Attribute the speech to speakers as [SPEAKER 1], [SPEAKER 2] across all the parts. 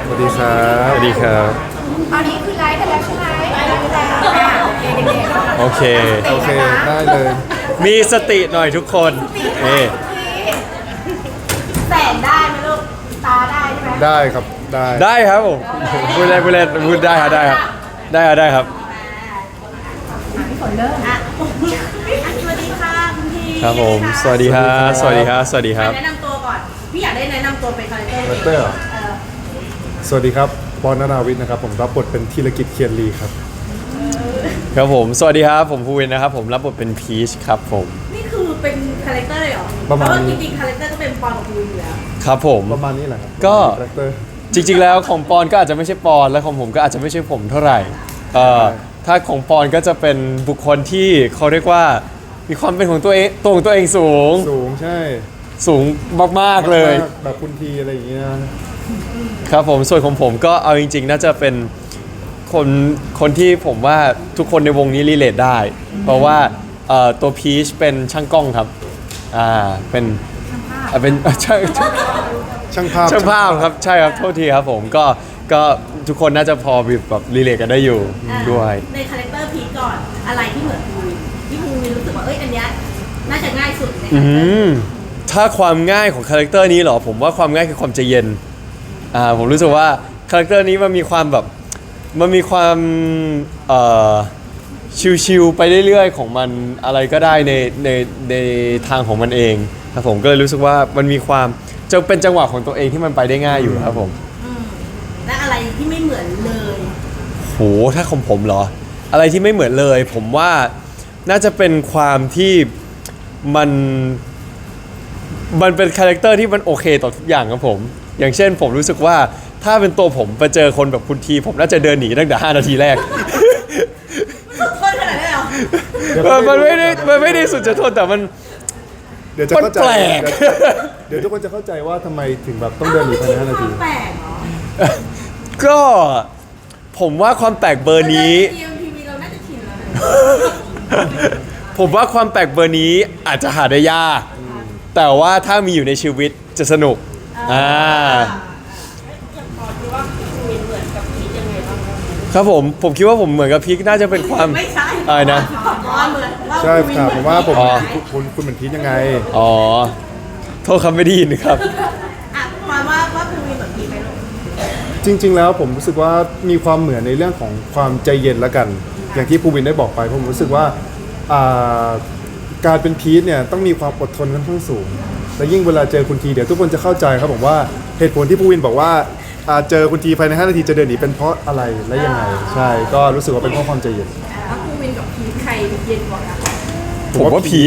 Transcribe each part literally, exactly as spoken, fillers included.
[SPEAKER 1] สวัสดีครับสวัสดีครับ
[SPEAKER 2] ตอนนี้คือไลฟ์กันแล้วใช่ไหมไลฟ์กันแล้วค่ะโอเคเด็กๆ
[SPEAKER 1] โอเค โอเค ได้เลย
[SPEAKER 3] มีสติหน่อยทุกคนเอ
[SPEAKER 2] แสนได้ไหมลูกตาได้ใช่ไหม
[SPEAKER 1] ได้ครับ ได้
[SPEAKER 3] ได้ครับผมพูดเล่นพูดเล่นพูดได้ครับได้ครับได้ครับได้ครับ
[SPEAKER 2] พี่ฝนเริ่มอ่ะ
[SPEAKER 4] สวัสดีค่ะคุณพี
[SPEAKER 3] ครับผมสวัสดีครับสวัสดีครับสวัสดีครับ
[SPEAKER 4] แนะนำตัวก่อน พี่อยากได้แนะนำตัวเป็นคาแรคเตอร์
[SPEAKER 1] คาแรคเตอร์เหรอ
[SPEAKER 4] เออ
[SPEAKER 1] สวัสดีครับ ปอนนาวิทย์นะครับ ผมรับบทเป็นธีรกิจเคียนลีครับ
[SPEAKER 3] ครับผมสวัสดีครับผมภูวินนะครับผมรับบทเป็นพีชครับผม
[SPEAKER 4] นี่คือเป็นคาแรคเตอร์เลยเหรอ
[SPEAKER 1] ประมาณ
[SPEAKER 4] เพ
[SPEAKER 1] นี้
[SPEAKER 4] ว่าจริงๆคาแรคเตอร์ก็เป็นปอนกับภูอยู่แล้ว
[SPEAKER 3] ครับผม
[SPEAKER 1] ประมาณนี้แหละครับ
[SPEAKER 3] ก็
[SPEAKER 1] คาแรคเตอร์
[SPEAKER 3] จริงๆแล้วของปอนก็อาจจะไม่ใช่ปอนและของผมก็อาจจะไม่ใช่ผมเท่าไหร่เอ่อถ้าของปอนก็จะเป็นบุคคลที่เขาเรียกว่ามีความเป็นของตัวเองตัวของตัวเองสูง
[SPEAKER 1] สูงใช่
[SPEAKER 3] สูงมากๆเลย
[SPEAKER 1] มากแบบคุณทีอะไรอย่างเงี้ย
[SPEAKER 3] ครับผมส่วนของผมก็เอาจริงๆ น่าจะเป็นคนคนที่ผมว่าทุกคนในวงนี้รีเลทได้ เพราะว่าเอ่อตัวพีชเป็นช่างกล้องครับอ่าเป็นอ่าเป็น ช่างช่าง
[SPEAKER 1] ช่างภาพ
[SPEAKER 3] ช่างภาพครับใช่ครับโทษทีครับผมก็ก็ทุกคนน่าจะพอแบบรีเลทกันได้อยู่ด้วย
[SPEAKER 4] ในคาแรคเตอร์พีทก่อน อะไรที่เหมือนภูวินที่ภูวินรู้สึกว่าเอ้ยอันเนี้ยน่าจะง่ายสุดในคา
[SPEAKER 3] อื
[SPEAKER 4] แรคเตอร์
[SPEAKER 3] มถ้าความง่ายของคาแรคเตอร์นี้เหรอผมว่าความง่ายคือความใจเย็นอ่าผมรู้สึกว่าคาแรคเตอร์นี้มันมีความแบบมันมีความเอ่อชิวๆไปเรื่อยๆของมันอะไรก็ได้ในในในทางของมันเองครับผมก็เลยรู้สึกว่ามันมีความจะเป็นจังหวะของตัวเองที่มันไปได้ง่ายอยู่ครับผม
[SPEAKER 4] อืมและอะไรที่ไม่เหมือนเลย
[SPEAKER 3] โหถ้าของผมเหรอ อะไรที่ไม่เหมือนเลย ผมว่าน่าจะเป็นความที่มันมันเป็นคาแรคเตอร์ที่มันโอเคต่อทุกอย่างครับผม อย่างเช่นผมรู้สึกว่าถ้าเป็นตัวผมไปเจอคนแบบคุณที ผมน่าจะเดินหนีตั้งแต่ห้านาทีแรก
[SPEAKER 4] สุดทนขนาดนั้นเลยเหรอ
[SPEAKER 1] เดี๋ยว
[SPEAKER 3] เออมันไม่ได้มันไม่ได้สุดจะทนแต่มัน
[SPEAKER 1] เดี๋ยวจะเข้าใจ
[SPEAKER 3] มันแปลก
[SPEAKER 1] เดี๋ยวเดี๋ยวทุกคนจะเข้าใจว่าทำไมถึงแบบต้องเดินหนีภายในห้านาที
[SPEAKER 4] แปลกเหรอ
[SPEAKER 3] ก็ผมว่าความแปลกเบอร์นี้
[SPEAKER 4] ทีมทีวีเราน่าจะชินแล้วนะ
[SPEAKER 3] ผมว่าความแปลกเบอร์นี้อาจจะหาได้ยาก แต่ว่าถ้ามีอยู่ในชีวิตจะสนุกอ่าครับผมผมคิดว่าผมเหมือนกับพีคน่าจะเป็นความ
[SPEAKER 4] ไม่ใช่
[SPEAKER 3] อะไรนะ
[SPEAKER 4] อ๋อเหมือนว่า
[SPEAKER 1] ใช่
[SPEAKER 4] ภูวิน
[SPEAKER 1] ครับผมว่าผม
[SPEAKER 3] อ๋อ
[SPEAKER 1] คุณคุณเหมือนพีทยังไง
[SPEAKER 3] อ๋อโทษคำไม่ได้ยินครับ
[SPEAKER 4] อ่ะความว่าว่าภูวินเหมือนพีทไหมลูก
[SPEAKER 1] จริง ๆ แล้วผมรู้สึกว่ามีความเหมือนในเรื่องของความใจเย็นละกัน อย่างที่ภูวินได้บอกไปผมรู้สึกว่าอ่าการเป็นพีทเนี่ยต้องมีความอดทนค่อนข้างสูง และยิ่งเวลาเจอคุณทีเดี๋ยวทุกคนจะเข้าใจครับผมว่าเหตุผลที่ภูวินบอกว่าอ่าเจอคุณทีภายในห้านาทีจะเดินหนีเป็นเพราะอะไรและยังไงใช่ก็รู้สึกว่าเป็นเพราะความใจเย็น
[SPEAKER 4] แล้วภูวินกับพีทใครเย็นกว่ากัน
[SPEAKER 3] ผมว่าพีท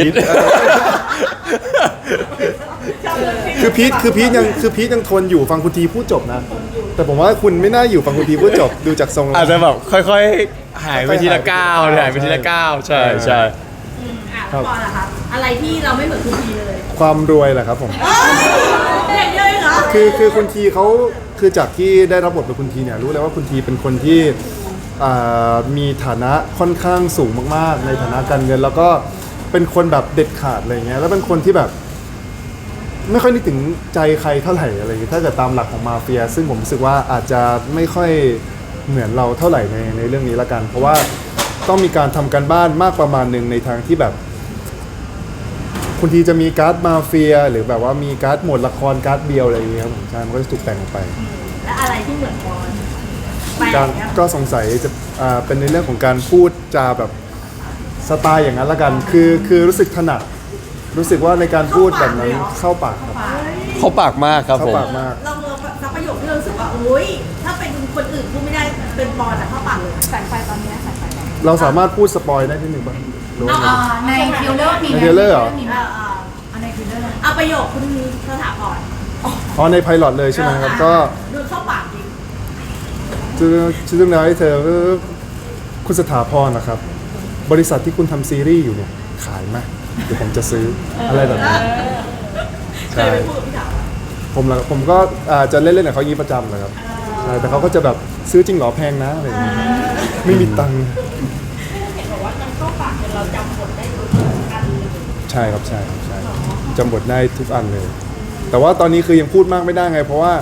[SPEAKER 1] คือพีทคือพีทยังคือพีทยังทนอยู่ฟังคุณทีพูดจบนะ แต่ผมว่าคุณไม่น่าอยู่ฟังคุณทีพูดจบดูจากทรงแล้ว
[SPEAKER 3] อาจจะแบบค่อยๆ หายไปทีละก้าวหายไปทีละก้าวใช่ใช่
[SPEAKER 4] อืมอ่ะปอนล่ะครับอะไรที่เราไม่เหมือนภูวินเลย
[SPEAKER 1] ความรวยแหละครับผม
[SPEAKER 4] เด็กเยอะเลยเหรอ
[SPEAKER 1] คือคือคุณทีเขาคือจากที่ได้รับบทเป็นคุณทีเนี่ยรู้เลยว่าคุณทีเป็นคนที่อ่ามีฐานะค่อนข้างสูงมากๆ ในฐานะการเงิน แล้วก็เป็นคนแบบเด็ดขาดอะไรเงี้ยแล้วเป็นคนที่แบบ ไม่ค่อยนึกถึงใจใครเท่าไหร่อะไรอย่างเงี้ยถ้าเกิดตามหลักของมาเฟีย ซึ่งผมรู้สึกว่าอาจจะไม่ค่อยเหมือนเราเท่าไหร่ในในเรื่องนี้ละกัน เพราะว่าต้องมีการทำการบ้านมากประมาณหนึ่งในทางที่แบบ คุณทีจะมีการ์ดมาเฟีย หรือแบบว่ามีการ์ดหมวดละครการ์ดเบียวอะไรอย่างเงี้ยครับผมใช่มันก็จะถูกแต่งออกไป
[SPEAKER 4] และอะไรที่เหมือนปอนแปลก
[SPEAKER 1] การ
[SPEAKER 4] เนี่ย
[SPEAKER 1] ก็สงสัยจะอ่าเป็นในเรื่องของการพูดจาแบบสไตล์อย่างนั้นละกัน คือคือรู้สึกถนัดรู้สึกว่าในการพูดแบบนั้นเข้าปากครับ
[SPEAKER 3] เขาปากมากครับ
[SPEAKER 1] เข้า
[SPEAKER 3] ผม
[SPEAKER 1] ปากมาก
[SPEAKER 4] เราเราสักประโยคที่เรารู้สึกว่าอุ้ยถ้าเป็นคนอื่นพูดไม่ได้เป็นปอนอะเข้าปากเลย
[SPEAKER 2] แสงไฟตอนนี้แสงไฟตอนนี้
[SPEAKER 1] เราสามารถพูดสปอยได้ที่หนึ่งป่ะหรือว่าไง
[SPEAKER 2] อ่าในทริลเลอร์มีไหม
[SPEAKER 1] ใน trailer เหรอ
[SPEAKER 2] มีไหม
[SPEAKER 4] เออเออ
[SPEAKER 2] เอาในทริลเลอร์
[SPEAKER 4] เอาประโยคคุณสถาพร
[SPEAKER 1] อ๋อในไพลอตเลยใช่ไหมครับ ก็
[SPEAKER 4] ดูเข้าปากจริง
[SPEAKER 1] ชื่อชื่อเรื่องราวให้เธอคุณสถาพรนะครับ บริษัทที่คุณทำซีรีส์อยู่เนี่ยขายไหมเดี๋ยวผมจะซื้ออะไรแบบนี้
[SPEAKER 4] เค
[SPEAKER 1] ใช่
[SPEAKER 4] ยไปพูดกับพี่ถาม
[SPEAKER 1] ผมละผมก็อ่าจะเล่นๆกับเขาอย่างนี้ประจำเลยครับใช่แต่เขาก็จะแบบซื้อจริงเหรอแพงนะอะไรอย่างเงี้ยไม่มีตังค์
[SPEAKER 4] เห็นบอกว่ามันเข้าปากจนเราจำบทได้ทุกอันเลย
[SPEAKER 1] ใช่ครับใช่ครับใช่จำบทได้ทุกอันเลย แต่ว่าตอนนี้คือยังพูดมากไม่ได้ไง เพราะว่า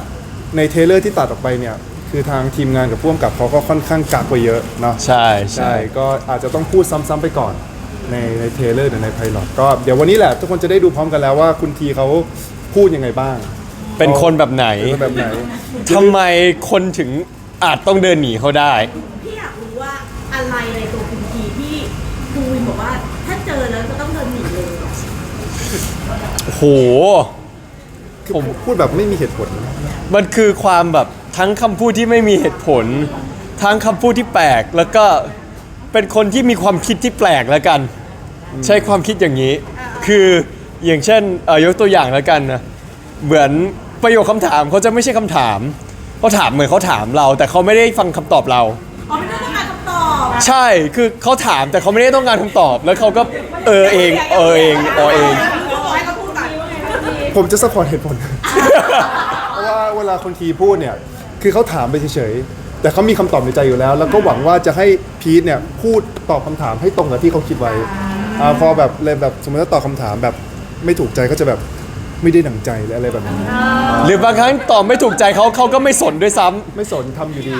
[SPEAKER 1] ในเทรลเลอร์ที่ตัดออกไปเนี่ยคือทางทีมงานกับผู้กำกับเขาก็ค่อนข้างกักไว้เยอะเนาะ
[SPEAKER 3] ใช่ใช่
[SPEAKER 1] ใช่ก็อาจจะต้องพูดซ้ำๆไปก่อนในในเทรลเลอร์หรือในไพลอตก็เดี๋ยววันนี้แหละทุกคนจะได้ดูพร้อมกันแล้วว่าคุณทีเขาพูดยังไงบ้าง
[SPEAKER 3] เป็นคนแบบไหน
[SPEAKER 1] เป็นแบบไหน
[SPEAKER 3] ทำไมคนถึงอาจต้องเดินหนีเขาได้
[SPEAKER 4] พี่อยากรู้ว่าอะไรในตัวคุณทีที่ภูวินบอกว่าถ้าเจอแล้วจะต้องเดินหนีเลย
[SPEAKER 3] โอ้โห
[SPEAKER 1] คือผมพูดแบบไม่มีเหตุผล
[SPEAKER 3] มันคือความแบบทั้งคำพูดที่ไม่มีเหตุผล ทั้งคำพูดที่แปลก แล้วก็เป็นคนที่มีความคิดที่แปลกแล้วกัน ใช้ความคิดอย่างนี้ คืออย่างเช่นเอ่อยกตัวอย่างแล้วกันนะเหมือนประโยคคำถามเขาจะไม่ใช่คำถามเขาถามเหมือนเขาถามเรา แต่เขาไม่ได้ฟังคำตอบเรา
[SPEAKER 4] อ๋อไม่ได้ต้องการคำตอบ
[SPEAKER 3] ใช่คือเขาถามแต่เขาไม่ได้ต้องการคำตอบ แล้วเขาก็เออเองเออเองเออเอง
[SPEAKER 4] ให้เขาพูดก่อน
[SPEAKER 1] ผมจะสปอร์ตเหตุผล เพราะว่าเวลาคนทีพูดเนี่ยคือเขาถามไปเฉยๆแต่เขามีคำตอบในใจอยู่แล้ว แล้วก็หวังว่าจะให้พีทเนี่ยพูดตอบคำถามให้ตรงกับที่เขาคิดไว้อ่าพอแบบเลยแบบสมมติว่าตอบคำถามแบบไม่ถูกใจก็จะแบบไม่ได้ดั่งใจหรืออะไรแบบนี้
[SPEAKER 3] หรือบางครั้งตอบไม่ถูกใจเขาเขาก็ไม่สนด้วยซ้ำ
[SPEAKER 1] ไม่สนทำอยู่ดี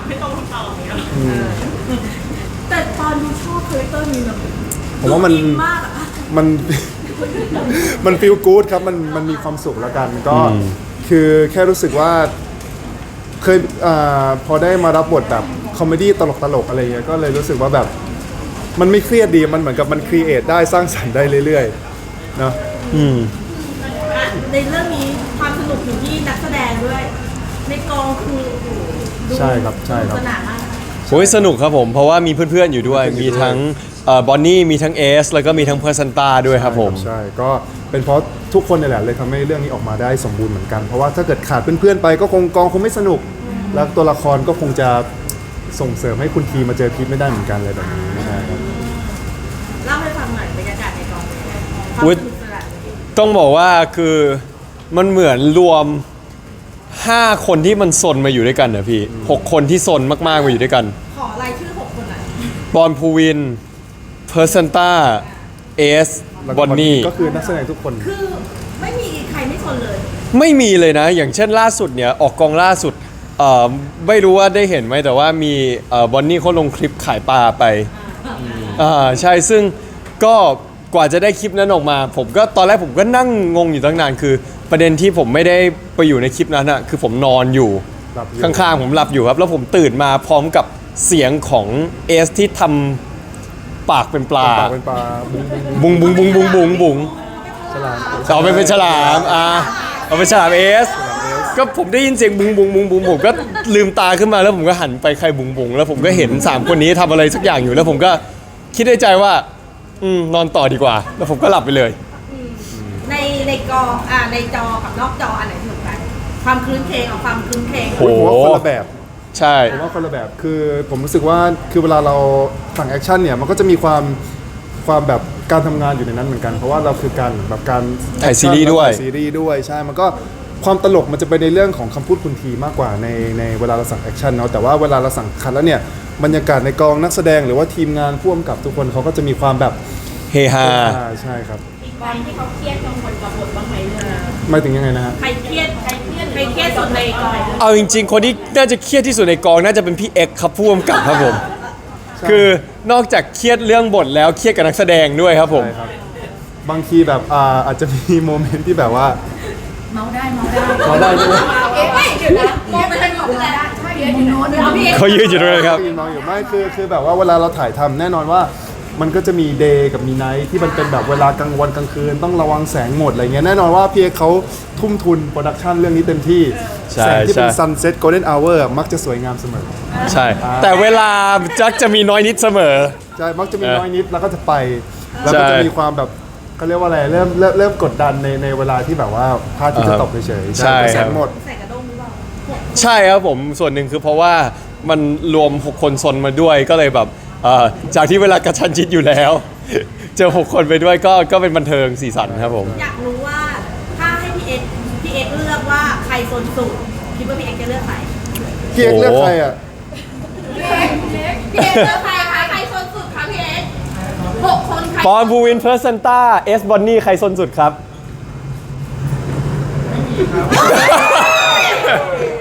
[SPEAKER 4] แต่ตอนดูชอบคาแรคเตอร์นี้แบบ
[SPEAKER 1] ผมว่ามัน
[SPEAKER 4] อิมากอะ
[SPEAKER 1] มัน มันฟีลกู๊ดครับมันมันมีความสุขแล้วกันก็คือแค่รู้สึกว่าเคยอาพอได้มารับบทแบบคอมเมดี้ตลกตลกๆอะไรเงี้ยก็เลยรู้สึกว่าแบบมันไม่เครียดดีมันเหมือนกับมันครีเอทได้สร้างสรรค์ได้เรื่อยๆเนาะ
[SPEAKER 3] อืม
[SPEAKER 4] อ่ะในเรื่องนี้ความสนุกอยู่ที่นักแสดงด้วย ในกองคือโอ้โหดู
[SPEAKER 1] ใช่ครับใช่ครับ
[SPEAKER 4] สนานมาก
[SPEAKER 3] โอ้ยสนุกครับผมเพราะว่ามีเพื่อนๆอยู่ด้วย มีทั้งบอนนี่มีทั้งเอสแล้วก็มีทั้งเพอร์ซันตาด้วยครับผม
[SPEAKER 1] ใช่ก็เป็นเพราะทุกคนนี่แหละเลยทำให้เรื่องนี้ออกมาได้สมบูรณ์เหมือนกัน เพราะว่าถ้าเกิดขาดเพื่อนๆไปก็คงกองคงไม่สนุก แล้วตัวละครก็คงจะส่งเสริมให้คุณทีมาเจอพีทไม่ได้เหมือนกันเลยแบบนี้นะครับ
[SPEAKER 4] เล่าให้ฟังหน่อยบรรยากาศในกองเป็นยังไงความ
[SPEAKER 3] อุ๊ย
[SPEAKER 4] สนุกสนาน
[SPEAKER 3] ต้องบอกว่าคือมันเหมือนรวมห้าคนที่มันซนมาอยู่ด้วยกันนะพี่หกคนที่ซนมากๆมาอยู่ด้วยกัน
[SPEAKER 4] ขอรายชื่อหกคนหน่อย
[SPEAKER 3] บอลพูวินเพอร์ซันตาเอส
[SPEAKER 1] แล้ว
[SPEAKER 3] บ
[SPEAKER 1] ก็
[SPEAKER 3] อนนี่
[SPEAKER 1] ก็คือนักแสดงทุกคน
[SPEAKER 4] คือไม่มีใครไม่สนเลย
[SPEAKER 3] ไม่มีเลยนะ อย่างเช่นล่าสุดเนี่ยออกกองล่าสุดเอ่อไม่รู้ว่าได้เห็นไหมแต่ว่ามีบอนนี่เขาลงคลิปขายปลาไปอ่าใช่ซึ่งก็กว่าจะได้คลิปนั้นออกมา ผมก็ตอนแรกผมก็นั่งงงอยู่ตั้งนานคือ ประเด็นที่ผมไม่ได้ไปอยู่ในคลิปนั้นอะคือผมนอนอยู่
[SPEAKER 1] หลับอยู่
[SPEAKER 3] ข้างๆผมหลับอยู่ครับ แล้วผมตื่นมาพร้อมกับเสียงของเอสที่ทำปากเป็นปลา
[SPEAKER 1] ปากเป็นปลาบุ้ง
[SPEAKER 3] บุงบุงบุงบุงบุงบุง
[SPEAKER 1] ฉลาม
[SPEAKER 3] เอาไปเป็นฉลามอ่ะเอาเป็นฉลามเอสก็ผมได้ยินเสียงบุงบุงบุงบุงผมก็ลืมตาขึ้นมาแล้วผมก็หันไปใครบุงบุงแล้วผมก็เห็นสามคนนี้ทำอะไรสักอย่างอยู่แล้วผมก็คิดในใจว่าอืมนอนต่อดีกว่า แล้วผมก็หลับไปเลย
[SPEAKER 4] ในในกองอ่าในจอกับนอกจออันไหนสนุกกันความคลื้นเคงกับความคลื้นเคง
[SPEAKER 3] โอ้
[SPEAKER 1] ผมว่าคนละแบบ
[SPEAKER 3] ใช่
[SPEAKER 1] ผมว่าคนละแบบคือผมรู้สึกว่าคือเวลาเราสั่งแอคชั่นเนี่ยมันก็จะมีความความแบบการทำงานอยู่ในนั้นเหมือนกัน เพราะว่าเราคือการแบบการ
[SPEAKER 3] ถ่ายซีรีส์ด้วย
[SPEAKER 1] ถ่ายซีรีส์ด้วยใช่มันก็ความตลกมันจะไปในเรื่องของคำพูดคุณทีมากกว่าในในเวลาเราสั่งแอคชั่นเนาะแต่ว่าเวลาเราสั่งคัดแล้วเนี่ยบรรยากาศในกองนักแสดงหรือว่าทีมงานผู้กำกับทุกคนเขาก็จะมีความแบบ
[SPEAKER 3] เฮฮา
[SPEAKER 1] อ่าใช่ครับ
[SPEAKER 2] อีกวันที่เขาเครียดกังวลกับบทบ้างไหมเนี่ย
[SPEAKER 1] หมายถึงยังไงนะฮะ
[SPEAKER 4] ใครเครียดใครเครียดใครเครียดสุดในกอง
[SPEAKER 3] เอาจริงๆ คนที่น่าจะเครียดที่สุดในกองน่าจะเป็นพี่เอ็กซ์ครับผู้กำกับครับผม คือนอกจากเครียดเรื่องบทแล้วเครียดกับนักแสดงด้วยครับผม
[SPEAKER 1] ใช่ครับบางทีแบบอ่าอาจจะมีโมเมนต์ที่แบบว่า
[SPEAKER 2] เมาได้เมาได้
[SPEAKER 1] เมาได้ใช่ไหม
[SPEAKER 2] เอ๊ะไม่เดี๋ยวนะมองไปทางนู้นเลยใช่เดี๋ยวอยู่โน้นเดี๋ยวพี่เอ๊ะ
[SPEAKER 3] เขายืนอยู่ตรงนั้นครับ
[SPEAKER 1] ยืนมองอยู่ไม่คือคือแบบว่าเวลาเราถ่ายทำแน่นอนว่ามันก็จะมีเดย์กับมีไนท์ที่มันเป็นแบบเวลากลางวันกลางคืนต้องระวังแสงหมดอะไรเงี้ยแน่นอนว่าพี่เอกเขาทุ่มทุนโปรดักชันเรื่องนี้เต็มที่
[SPEAKER 3] ใช่
[SPEAKER 1] แสงที่เป็น
[SPEAKER 3] ใช่
[SPEAKER 1] ซันเซ็ตโกลเด้นอเวอร์มักจะสวยงามเสมอ
[SPEAKER 3] ใช่ แต่เวลาจักจะมีน้อยนิดเสมอ
[SPEAKER 1] ใช่มักจะมี
[SPEAKER 3] เออ
[SPEAKER 1] น้อยนิดแล้วก็จะไป แล้วก็
[SPEAKER 3] ใช่
[SPEAKER 1] จะมีความแบบเขาเรียกว่าอะไรเริ่มเริ่มเริ่มกดดันในในเวลาที่แบบว่าพระอาทิตย์จะตกเฉยๆ
[SPEAKER 3] ใช่
[SPEAKER 1] แต่แส
[SPEAKER 3] ครั
[SPEAKER 1] ง
[SPEAKER 3] บ
[SPEAKER 1] หมด
[SPEAKER 4] ใส่กระด้งหรือเปล่า
[SPEAKER 3] ใช่ครับผมส่วนหนึ่งคือเพราะว่ามันรวมหกคนซนมาด้วยก็เลยแบบเอ่อจากที่เวลากระชันชิดอยู่แล้ว เจอหกคนไปด้วยก็ก็เป็นบันเทิงสีสันครับผม
[SPEAKER 4] อยากรู้ว่าถ้าให้พี่เอ็กพี่เอ็กเลือกว่าใครโซนสุดคิดว่าพี่เอ็กจะเลือกใคร
[SPEAKER 1] พี่เอกเลือกใครอ่ะ
[SPEAKER 2] พี่เอ๊ะพี่เอ๊ะ
[SPEAKER 4] พี่เอ็กเลือกใครคะใครโซนสุดคะพี่เอ็กหกคนใคร
[SPEAKER 3] ปอนบูวินเพอร์ซันต้าเอสบอนนี่ใครซนสุดครับ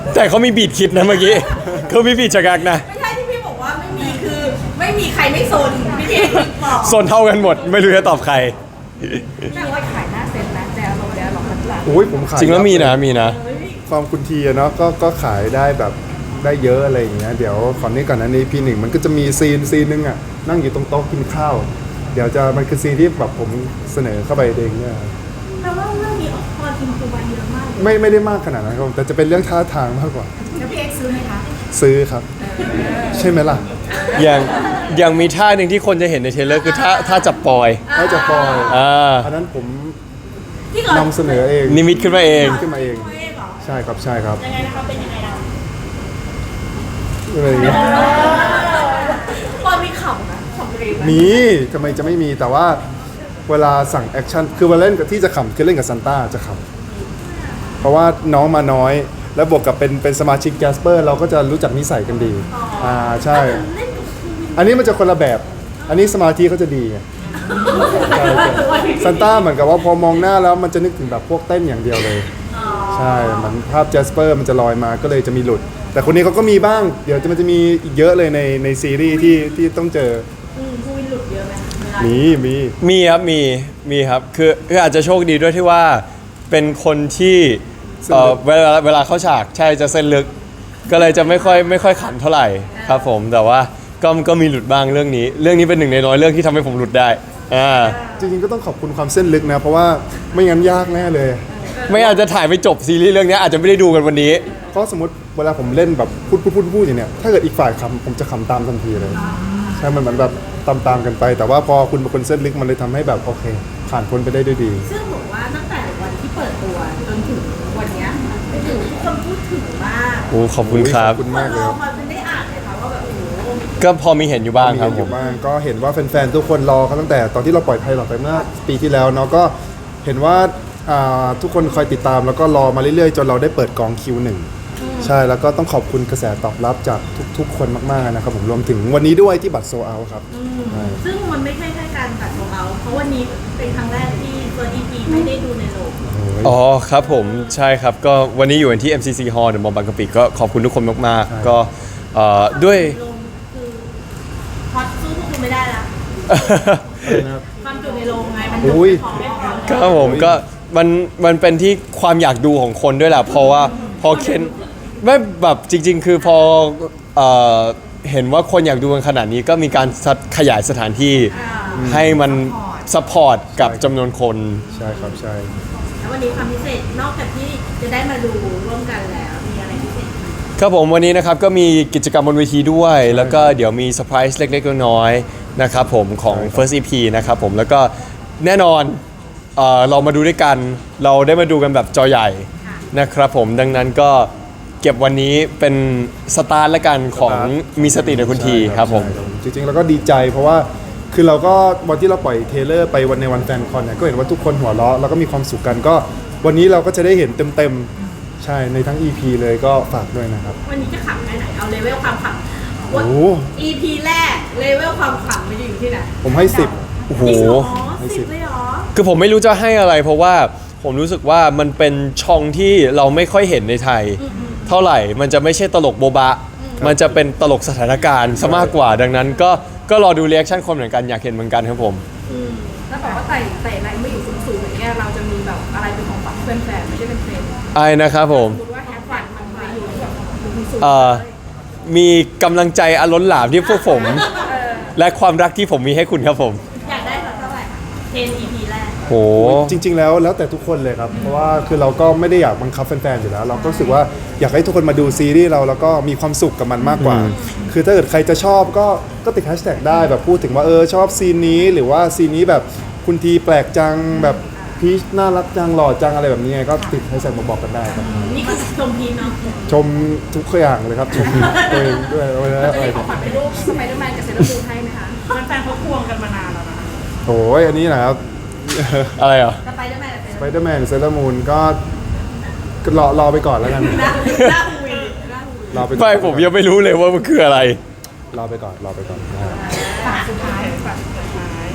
[SPEAKER 3] แต่เขามีบีดคิดนะเมื่อกี้เขามีบีดฉกักนะ
[SPEAKER 4] ไม่ใช่ที่พี่บอกว่าไม่มีคือไม่มีใครไม่โซนพี่เทบอก
[SPEAKER 3] โซนเท่ากันหมด ไม่รู้จะตอบใคร
[SPEAKER 2] แต่ว่าขายหน้าเซ็ตนะแต่อารมณ์แล้วหรอกมันหลัง
[SPEAKER 1] โอ้ยผมขาย
[SPEAKER 3] จริงแล้วมีนะมีนะ
[SPEAKER 1] ความคุณทีอะเนาะก็ก็ขายได้แบบได้เยอะอะไรอย่างเงี้ยเดี๋ยวก่อนนี้ก่อนนั้นในพีหนึ่งมันก็จะมีซีนซีนหนึงอะนั่งอยู่ตรงโต๊ะกินข้าว เดี๋ยวจะมันคือซีนที่แบบผมเสนอเข้าไปเองเนี่ยครับ
[SPEAKER 4] แต่ว่าเรื่องนี้ออกพอทีมคูบาเยอะมากเลย
[SPEAKER 1] ไม่ไม่ได้มากขนาดนั้นครับแต่จะเป็นเรื่องท่าทางมากกว่า
[SPEAKER 2] แล้วพี่เอ็กซ์ซื้อไหมคะ
[SPEAKER 1] ซื้อครับ ใช่ไหมล่ะ
[SPEAKER 3] อย่างอย่างมีท่าหนึ่งที่คนจะเห็นในเทรลเลอร์คือท่าท่าจับปอย
[SPEAKER 1] ถ้าจะปล่อย
[SPEAKER 3] อ่า
[SPEAKER 1] อันนั้นผม
[SPEAKER 4] ที่ก่อน
[SPEAKER 1] นำเสนอเอง
[SPEAKER 3] นิมิตขึ้นมาเอง
[SPEAKER 1] ขึ้นมาเอง
[SPEAKER 4] ตัวเองเหรอ
[SPEAKER 1] ใช่ครับใช่ครับ
[SPEAKER 4] ยังไงนะคะเป็นยังไงเรา
[SPEAKER 1] อะไรอย่างเงี้ย
[SPEAKER 4] ตอนมีขำนะขำเร็วนะ
[SPEAKER 1] มีทำไมจะไม่มีแต่ว่าเวลาสั่งแอคชั่นคือเวลาเล่นกับที่จะขำคือเล่นกับซันต้าจะขำเพราะว่าน้องมาน้อย แล้วบวกกับเป็นเป็นสมาชิกแกสเปอร์เราก็จะรู้จักนิสัยกันดีอ่าใช่
[SPEAKER 4] เล่นกับคูวิน
[SPEAKER 1] อันนี้มันจะคนละแบบ อันนี้สมาธิเขาจะดีไงใช่ใช่ซันต้าเหมือนกับว่าพอมองหน้าแล้วมันจะนึกถึงแบบพวกเต้นอย่างเดียวเลย ใช่เหมันภาพแจสเปอร์มันจะลอยมาก็เลยจะมีหลุด แต่คนนี้เขาก็มีบ้าง เดี๋ยวจะมันจะมีอีกเยอะเลยในในซีรีส์ที่ที่ต้องเจอ
[SPEAKER 4] อืมคูวินหลุดเยอะไหมเวลา
[SPEAKER 1] มีมี
[SPEAKER 3] มีครับมีมีครับคือคืออาจจะโชคดีด้วยที่ว่าเป็นคนที่เอ่อเวลาเวลาเข้าฉากใช่จะเส้นลึก ก็เลยจะไม่ค่อยไม่ค่อยขันเท่าไหร่ครับผมแต่ว่าก็ก็มีหลุดบ้างเรื่องนี้ เรื่องนี้เป็นหนึ่งในน้อยเรื่องที่ทำให้ผมหลุดได้อ่า
[SPEAKER 1] จริงๆก็ต้องขอบคุณความเส้นลึกนะ เพราะว่าไม่งั้นยากแน่เลย
[SPEAKER 3] ไม่อาจจะถ่ายไปจบซีรีส์เรื่องนี้อาจจะไม่ได้ดูกันวันนี้
[SPEAKER 1] เพราะสมมติเวลาผมเล่นแบบพูดพูดพูดพูดอย่างเนี้ยถ้าเกิดอีกฝ่ายคำผมจะคำตามทันทีเลย ใช่มันเหมือนแบบตามตามๆกันไป แต่ว่าพอคุณเป็นคนเส้นลึกมันเลยทำให้แบบโอเค ผ่านพ้นไปได้ด้วยดี
[SPEAKER 4] ซึ่งบอกว่าตั้งแต่วันที่เปิดตัวจนถึงวันเนี้ยไปถึงทุกคนพูดถึงมาก
[SPEAKER 3] โอ้ขอบคุณครับ
[SPEAKER 1] ขอบคุณมากเลย
[SPEAKER 4] เรา
[SPEAKER 1] ครับ
[SPEAKER 4] มาเป็นได้อ่านเลยค่ะว่าแบบโอ้โห
[SPEAKER 3] ก็พอมีเห็นอยู่บ้าง
[SPEAKER 1] มี
[SPEAKER 3] ครับ
[SPEAKER 1] เห็นอ
[SPEAKER 3] ผม
[SPEAKER 1] ยู่บ้างก็เห็นว่าแฟนๆทุกคนรอเขาตั้งแต่ตอนที่เราปล่อยไพลอตไปเมื่อปีที่แล้วเนาะก็เห็นว่าอ่าทุกคนคอยติดตามแล้วก็รอมาเรื่อยๆ จนเราได้เปิดกองคิวหนึ่งใช่แล้วก็ต้องขอบคุณกระแสตอบรับจากทุกๆ คนมากๆนะครับผมรวมถึงวันนี้ด้วยที่บัตรโซเอาครับใช่
[SPEAKER 4] ซึ่งมันไม่ใช่แค่การตัดของเราเพราะวันนี้เป็นครั้งแรกที่เฟิร์สอีพีไม่ได้ดูในโรง
[SPEAKER 3] อ๋อครับผมใช่ครับก็วันนี้อยู่กันที่ เอ็ม ซี ซี Hall เดอะมอลล์บางกะปิก็ขอบคุณทุกคนมากๆ ก็เอ่อด้วย
[SPEAKER 4] โรงคือฮอตสู้พวกคุณไม่ได้ละความจุในโรงไงมันจุ
[SPEAKER 1] อุ้ย
[SPEAKER 4] ของไม่พอ
[SPEAKER 3] ครับผมก็มันมันเป็นที่ความอยากดูของคนด้วยแหละเพราะว่าพอเคนไม่แบบจริง ๆ คือพอเอ่อเห็นว่าคนอยากดูกันขนาดนี้ก็มีการสัดขยายสถานที่ให้มันซัพพอร์ตกับจำนวนคน
[SPEAKER 1] ใช่ครับใช่
[SPEAKER 4] แล้ววันนี้ความพิเศษนอกจากที่จะได้มาดูร่วมกันแล้วมีอะไรพิเศษอีก
[SPEAKER 3] ครับผมวันนี้นะครับก็มีกิจกรรมบนเวทีด้วย แล้วก็เดี๋ยวมีเซอร์ไพรส์เล็กๆน้อยๆนะครับผมของ First อี พี นะครับผมแล้วก็แน่นอนเอ่อเรามาดูด้วยกัน เราได้มาดูกันแบบจอใหญ่นะครับผมดังนั้นก็เก็บวันนี้เป็นสตาร์ทละกันของมีสติในคุณทีครับผม
[SPEAKER 1] ใช่จริงๆแล้วก็ดีใจเพราะว่าคือเราก็วันที่เราปล่อยเทรลเลอร์ไปวันในวันแฟนคอนเนี่ยก็เห็นว่าทุกคนหัวเราะแล้วก็มีความสุขกันก็วันนี้เราก็จะได้เห็นเต็มๆใช่ในทั้ง อี พี เลยก็ฝากด้วยนะครับ
[SPEAKER 4] วันนี้จะขำแค่ไหนเอาเลเวลความขำว่า
[SPEAKER 1] โอ้
[SPEAKER 4] อี พี แรกเลเวลความขำมันจะอยู่ที่ไหน
[SPEAKER 1] ผมให้สิบ
[SPEAKER 3] โอ้โห
[SPEAKER 4] จริงเหรอ
[SPEAKER 1] ให้สิ
[SPEAKER 4] สิ
[SPEAKER 1] บ
[SPEAKER 4] บเลยเหรอ
[SPEAKER 3] คือผมไม่รู้จะให้อะไร เพราะว่าผมรู้สึกว่ามันเป็นช่องที่เราไม่ค่อยเห็นในไทย เท่าไหร่มันจะไม่ใช่ตลกโบบะ มันจะเป็นตลกสถานการณ์ซะมากกว่า ดังนั้นก็ก็รอดูเรีแอคชั่นคนเหมือนกันอยากเห็นเหมือนกันครับผม
[SPEAKER 2] แล้วบอกว่าไต่ไต่อะไรไม่อยู่สูงๆอย่างเงี้ยเราจะมีแบบอะไรเป็นของฝันเพื่อนแฟนไม่ใช่เป็นเฟรนด์
[SPEAKER 3] ไอ้นะครับผม
[SPEAKER 2] สมมติว่าแฮปฝันมันไปอยู่แบบอยู่สูงๆ
[SPEAKER 3] เอ่อมีกำลังใจอล้นหลามที่พวกผม และความรักที่ผมมีให้คุณครับผม
[SPEAKER 4] อยากได้สักเท่าไหร่เทน อี พี แรก
[SPEAKER 3] โห
[SPEAKER 1] จริง ๆ แล้วแล้วแต่ทุกคนเลยครับ เพราะว่าคือเราก็ไม่ได้อยากบังคับแฟนๆอยู่แล้ว เราก็รู้สึกว่าอยากให้ทุกคนมาดูซีรีส์เราแล้วก็มีความสุขกับมันมากกว่า คือถ้าเกิดใครจะชอบก็ก็ติดแฮชแท็กได้แบบพูดถึงว่าเออชอบซีนนี้หรือว่าซีนนี้แบบคุณทีแปลกจังแบบพีชน่ารักจังหล่อจังอะไรแบบนี้ไงก็ติดแฮชแท็กมาบอกกันได้ครับ
[SPEAKER 4] นี่คือชมพีเนาะ
[SPEAKER 1] ชมทุกอย่างเลยครับชมตัวเองด้วยอะไร
[SPEAKER 2] จะ
[SPEAKER 1] อะไร
[SPEAKER 2] มีของขวัญเป็นรูปสไปเดอร์แมนกับเซเลอร์มูนให้ไหมคะ
[SPEAKER 4] แฟนๆเขาควงกันมานานแล้วนะ
[SPEAKER 1] โอ้ยอันนี้นะครับ
[SPEAKER 3] อะไรอ่ะ
[SPEAKER 4] สไปเดอร์แมนกับเซ
[SPEAKER 1] ส
[SPEAKER 4] เล
[SPEAKER 1] ไป
[SPEAKER 4] อร์
[SPEAKER 1] เดอร์แมนเซเลอร์มูนก็ก็รอรอไปก่อนแล้วกัน
[SPEAKER 4] หน้าหน้าฮูวินหน้าฮูวิน
[SPEAKER 1] รอไปก่อน
[SPEAKER 3] ไม่ผมยังไม่รู้เลยว่ามันคืออะไร
[SPEAKER 1] รอไปก่อนรอไปก่อน
[SPEAKER 2] ฝากสุดท้ายฝากสุดท้าย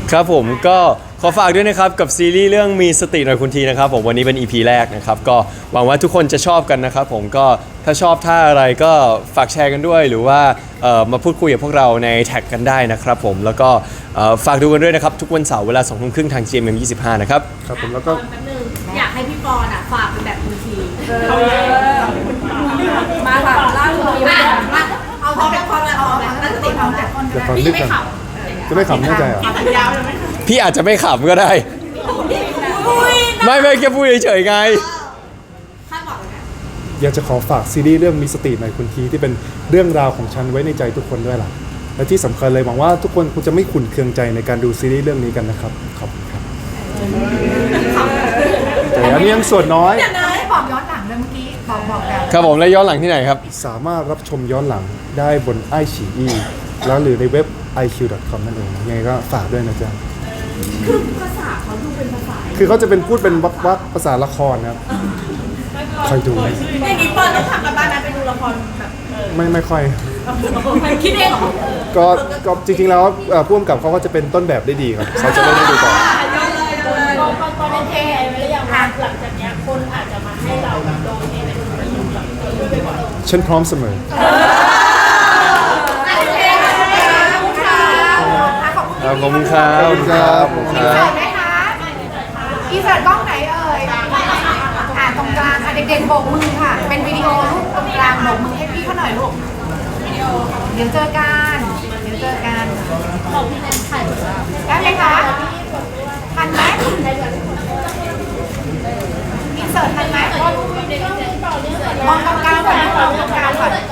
[SPEAKER 3] ครับผมก็ขอฝากด้วยนะครับกับซีรีส์เรื่องมีสติหน่อยคุณทีนะครับผมวันนี้เป็น อี พี แรกนะครับก็หวังว่าทุกคนจะชอบกันนะครับผมก็ถ้าชอบท่าอะไรก็ฝากแชร์กันด้วย หรือว่าเอ่อมาพูดคุยกับพวกเราในแท็กกันได้นะครับผมแล้วก็เอ่อฝากดูกันด้วยนะครับทุกวันเสาร์เวลาสองทุ่มครึ่งทาง จี เอ็ม เอ็ม ยี่สิบห้านะครับ
[SPEAKER 1] ครับผมแล้วก็
[SPEAKER 4] แป๊บนึงอยากให้พี่ปอนอ่ะฝากเป็นแบบคุณที
[SPEAKER 2] มาแบบล่าสุด
[SPEAKER 4] มามาเอาพร้อมแบบพร้อมเลยเอาแบบตั้งสติพร้อมแบบ
[SPEAKER 1] เดี๋ยวขอ
[SPEAKER 4] พี่
[SPEAKER 1] นึก
[SPEAKER 4] ไม่
[SPEAKER 1] ก่อน
[SPEAKER 4] ขับ
[SPEAKER 1] จะไม่ขำแน่ใจเหรอ
[SPEAKER 4] สัญญาเลยไหม
[SPEAKER 3] พี่อาจจะไม่ขำก็ได้
[SPEAKER 4] อุ้ย
[SPEAKER 3] ไม่ไม่แค่พูดเฉยๆไง
[SPEAKER 4] คาดหวังนะ
[SPEAKER 1] อยากจะขอฝากซีรีส์เรื่องมีสติหน่อยคุณทีที่เป็นเรื่องราวของฉันไว้ในใจทุกคนด้วยล่ะและที่สำคัญเลยหวังว่าทุกคนคงจะไม่ขุ่นเคืองใจในการดูซีรีส์เรื่องนี้กันนะครับขอบคุณครับแต่อันนี้ยังส่วนน้อย
[SPEAKER 4] เดี๋ยวนะ
[SPEAKER 2] ไม่บอกย้อนหลังเลยเมื่อกี้บอกบอกแล้ว
[SPEAKER 3] ครับผมแล้วย้อนหลังที่ไหนครับ
[SPEAKER 1] สามารถรับชมย้อนหลังได้บนไอฉีอีแล้วหรือในเว็บ ไอ คิว ดอท คอม นั่นเองยังไงก็ฝากด้วยนะจ๊ะ
[SPEAKER 4] คือภาษาเขาดูเป็นภาษา
[SPEAKER 1] คือเขาจะเป็นพูดเป็นวักวักภาษาละครนะครับคอยดู
[SPEAKER 4] อย่างนี้ปอนต้องทำกันบ้านนะไปดูละครแบบ
[SPEAKER 1] ไม่ไม่ค่อย
[SPEAKER 4] คิดเองเหรอ
[SPEAKER 1] ก็ก็จริงๆแล้วเอ่อผู้กำกับเขาก็จะเป็นต้นแบบได้ดีครับเขาจะเล่นให้ดูต่อ
[SPEAKER 4] ตอนโอเคไอ้ไม่ได้ยังหลังจากเนี้ยคนอาจจะมาให้เราแบบโดนเองในประโยชน์แบบ
[SPEAKER 1] ฉันพร้อมเสมอ
[SPEAKER 4] โอเคขอบคุณค่ะ
[SPEAKER 3] ขอบคุณครับ
[SPEAKER 1] ขอบคุณครับขอบคุณค
[SPEAKER 2] อิน
[SPEAKER 1] รับ
[SPEAKER 2] เสิร์ตไหมคะอินเสิร์ตกล้องไหนเอ่ยอ่าตรงกลางอ่ะเด็กๆโบกมือค่ะ เป็นวิดีโอลูกตรงกลางโบกมือให้พี่เขาหน่อยลูกวิดีโอเดี๋ยวเจอกันเดี๋ยวเจอกันได้ไหมคะทันไหมอินเสิร์ตทันไหมมองตรงกลางก่อนนะมองตรงกลางก่อนอ่ะ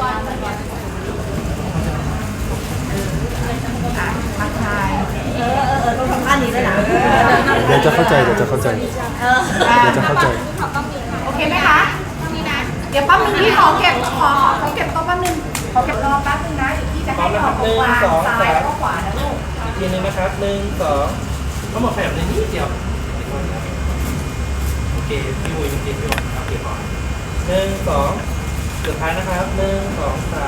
[SPEAKER 2] ทักทาย
[SPEAKER 4] ต้องทำท่านี้ด้วยนะ
[SPEAKER 1] เดี๋ยวจะเข้าใจเดี๋ยวจะเข้าใจเดี๋ยวจะเข้าใจ
[SPEAKER 2] โอเคไหมคะเดี๋ยวแป๊บนึงพี่ขอเก็บขอขอเก็บโต๊ะแป๊บนึงขอเก็บรอแป๊บนึงนะเดี๋ยวพี่จะให้ขอตรงกลางซ้ายแล้วก็ขวานะลูก
[SPEAKER 5] อีกทีหนึงนะครับหนึ่งสองทั้งหมดขยับเลยนิดเดียวโอเคพี่วุ้ยเมื่อกี้พี่บอกโอเคพอหนึ่งสองสุดท้ายนะครับหนึ่งสองสาม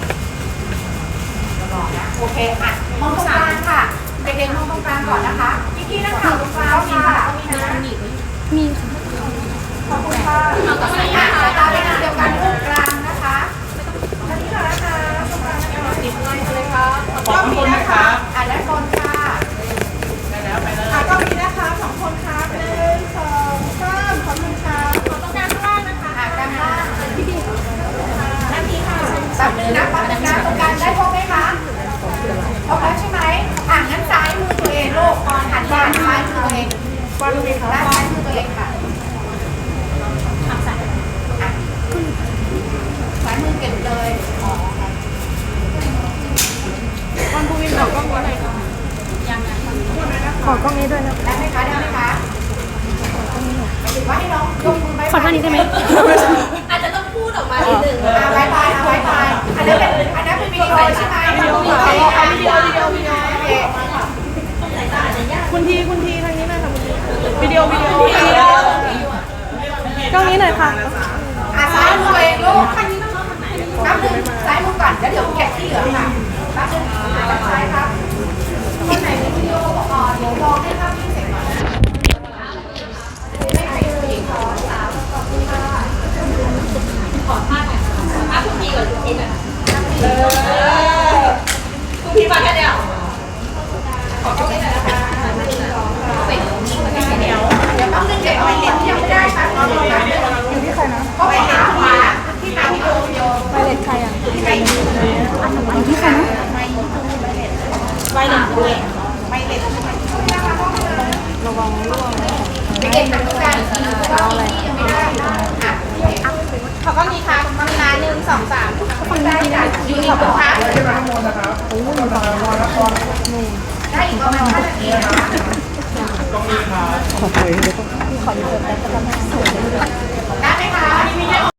[SPEAKER 2] โอเคอ่ะมองตรงกลางค่ะเด็กๆมองตรงกลางก่อนนะคะพี่กี้นักข่าวตรงกลางค่ะมีค่ะขอบคุณค่ะอ่ะสายตาเป็นอันเดียวกันตรงกลางนะคะอันนี้ค่ะนะคะตรงกลางนะคะติดไลน์เลยค่ะขอบคุณนะคะอ่ะและคนค่ะได้แล้วไปเลยอ่ะก็มีนะคะสองคนค่ะหนึ่งสองสามขอบคุณค่ะขอตรงกลางข้างล่างนะคะอ่ะกลางล่างพี่ดีนาทีค่ะแบบนึงนะปั๊บนึงนะตรงกลางได้พบไหมคะพบแล้วใช่ไหมอ่ะงั้นซ้ายมือตัวเองลูกหันด้านซ้ายมือตัวเองด้านซ้ายมือตัวเองค่ะอ่ะซ้ายมือเก็บเลยอ๋อวันภูวินขอกล้องนี้หน่อยค่ะขอกล้องนี้ด้วยนะได้ไหมคะได้ไหมคะหมายถึงว่าให้น้องยกมือไว้ขอท่านี้ได้ไหม
[SPEAKER 4] อาจจะต้องพูดออกมานิดนึง
[SPEAKER 2] อ่าบายบายอ่ะบายบายอันนั้นเป็นอันนั้นเป็นวิดีโอใช่ไหมวิดีโอวิดีโอวิดีโอวิดีโอวิดีโอโอเค
[SPEAKER 6] คุณทีคุณทีทางนี้หน่อยค่ะคุณทีวิดีโอวิดีโอวิดีโอกล้องนี้หน่อยค่ะ
[SPEAKER 2] อ่ะซ้ายมือตัวเองลูกนับหนึ่งซ้ายมือก่อนแล้วเดี๋ยวเก็บที่เหลือค่ะนับหนึ่งจับซ้ายครับคนไหนมีวิดีโอก่อนเดี๋ยวรอให้ภาพนิ่งเสร็จก่อนนะไม่ใครดูอีกขอสามขอบคุณค่ะ
[SPEAKER 4] คุณพี่ก่อนคุณพี่ก่อนคุณพี่มาแค่เดียว
[SPEAKER 2] เดี๋ยวแป๊บนึงเด็กไปเห็นที่ยังไม่ได้ค่ะรอรอแป๊บนึงอยู่ที่ใครนะก็ไปหาขวาที่ตามวิดีโอวิดีโอไปเล็ดใครอ่ะที่ใครอันนั้นที่ใครนะไปเล็ดไปเล็ดไปเล็ดระวังร่วงเด็กๆแบบทุกการก็มีที่ยังไม่ได้อ่ะ
[SPEAKER 4] ขอกล้องนี้ค่ะกล้องนี้นะหนึ่งสองสาม
[SPEAKER 2] คนได้จ้ะอยู่ขอบคุณค่ะได้อีกประมาณห้านาทีนะคะได้ไหมคะ